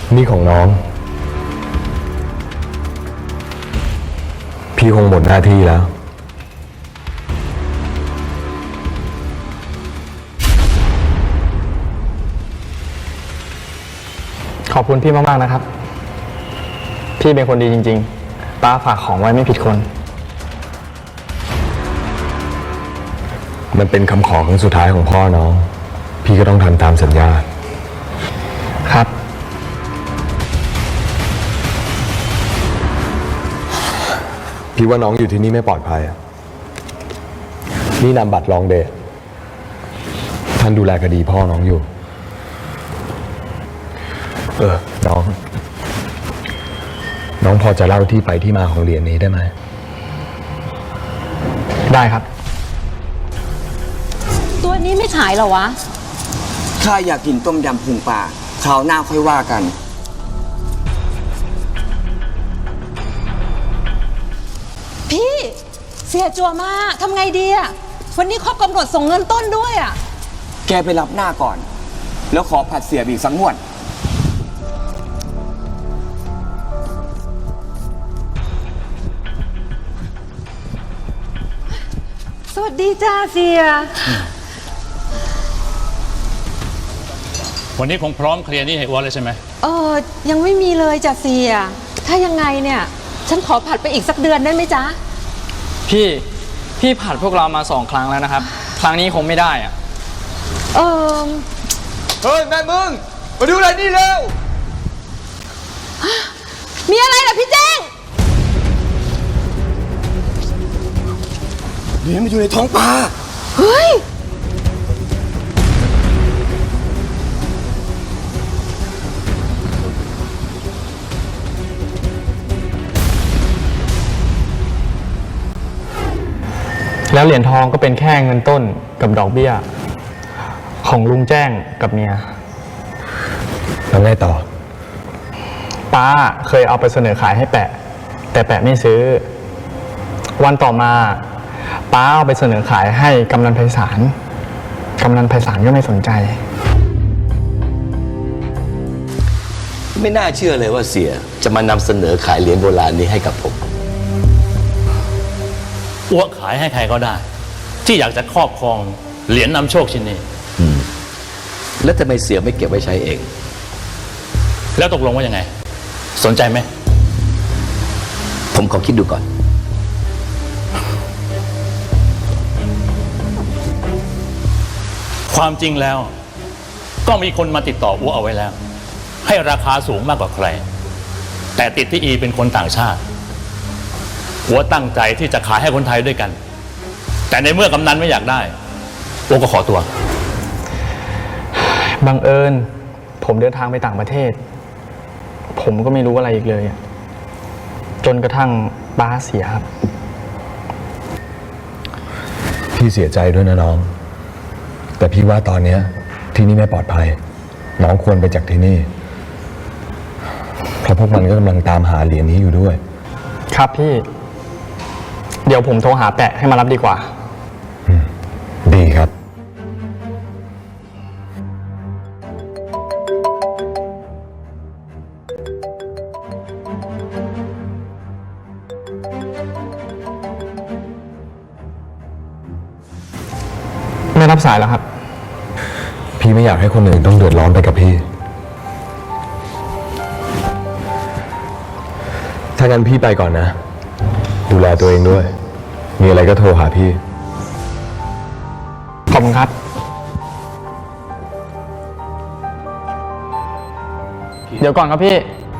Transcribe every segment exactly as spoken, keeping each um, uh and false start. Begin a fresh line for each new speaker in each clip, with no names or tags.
นี่ของน้องพี่คงหมดหน้าที่แล้ว
ขอบคุณพี่มากๆนะครับพี่เป็นคนดีจริงๆป้าฝากของไว้ไม่ผิดคน
มันเป็นคำขอครั้งสุดท้ายของพ่อน้องพี่ก็ต้องทำตามสัญญา
ครับ
พี่ว่าน้องอยู่ที่นี่ไม่ปลอดภัยนี่นำบัตรรองเดชท่านดูแลคดีพ่อน้องอยู่เออน้องน้องพอจะเล่าที่ไปที่มาของเหรียญนี้ได้ไหม
ได้ครับ
ตัวนี้ไม่ขายเหรอวะ
ข้าอยากกินต้มยำพุงปลาคราวหน้าค่อยว่ากัน
พี่เสียจัวมากทำไงดีอะวันนี้ครบกำหนดส่งเงินต้นด้วยอะ
แกไปรับหน้าก่อนแล้วขอผัดเสียบอีกสักงวด
สวัสดีจ้าเสีย
วันนี้คงพร้อมเคลียร์นี่ให้อ้วนเลยใช่ไหม
เออยังไม่มีเลยจ้ะเสียถ้ายังไงเนี่ยฉันขอผัดไปอีกสักเดือนได้ไหมจ๊ะ
พี่พี่ผัดพวกเรามาสองครั้งแล้วนะครับครั้งนี้คงไม่ได้อะ
เออ
เฮ้ยแม่มึงมาดูอะไรนี่เร็ว
มีอะไรล่ะพี่แจ้ง
เหรียญมันอยู่ในท้องปลา
เฮ้ย
แล้วเหรียญทองก็เป็นแค่เงินต้นกับดอกเบี้ยของลุงแจ้งกับเมีย
แล้วไงต่อ
ป้าเคยเอาไปเสนอขายให้แปะแต่แปะไม่ซื้อวันต่อมาป้าเอาไปเสนอขายให้กำนันไพศาลกำนันไพศาลก็ไม่สนใจ
ไม่น่าเชื่อเลยว่าเสียจะมานำเสนอขายเหรียญโบราณนี้ให้กับผม
อ้วกขายให้ใครก็ได้ที่อยากจะครอบครองเหรียญนำโชคชิ้นนี้
แล้วทำไมเสียไม่เก็บไว้ใช้เอง
แล้วตกลงว่ายังไงสนใจไหม
ผมขอคิดดูก่อน
ความจริงแล้วก็มีคนมาติดต่ออ้วเอาไว้แล้วให้ราคาสูงมากกว่าใครแต่ติดที่อีเป็นคนต่างชาติอัวตั้งใจที่จะขายให้คนไทยด้วยกันแต่ในเมื่อกำนันไม่อยากได้อัวก็ขอตัว
บังเอิญผมเดินทางไปต่างประเทศผมก็ไม่รู้อะไรอีกเลยจนกระทั่งป้าเสียครับ
พี่เสียใจด้วยนะน้องแต่พี่ว่าตอนนี้ที่นี่ไม่ปลอดภัยน้องควรไปจากที่นี่เพราะพวกมันก็กำลังตามหาเหรียญนี้อยู่ด้วย
ครับพี่เดี๋ยวผมโทรหาแปะให้มารับดีกว่า
ดีครับ
ไม่รับสายแล้วครับ
พี่ไม่อยากให้คนอื่นต้องเดือดร้อนไปกับพี่ถ้างั้นพี่ไปก่อนนะดูแลตัวเองด้วยมีอะไรก็โทรหาพี่
ขอบคุณครับเดี๋ยวก่อนครับพี่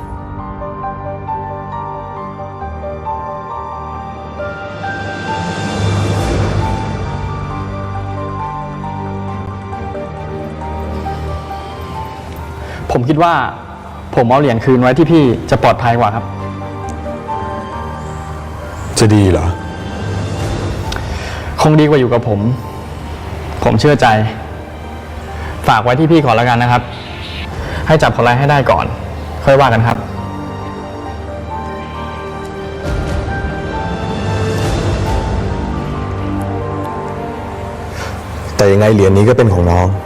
ผมคิดว่าผมเอาเหรียญคืนไว้ที่พี่จะปลอดภัยกว่าครับ
จะดีเหรอ
คงดีกว่าอยู่กับผมผมเชื่อใจฝากไว้ที่พี่ก่อนแล้วกันนะครับให้จับคนร้ายให้ได้ก่อนค่อยว่ากันครับ
แต่ยังไงเหรียญนี้ก็เป็นของน้อง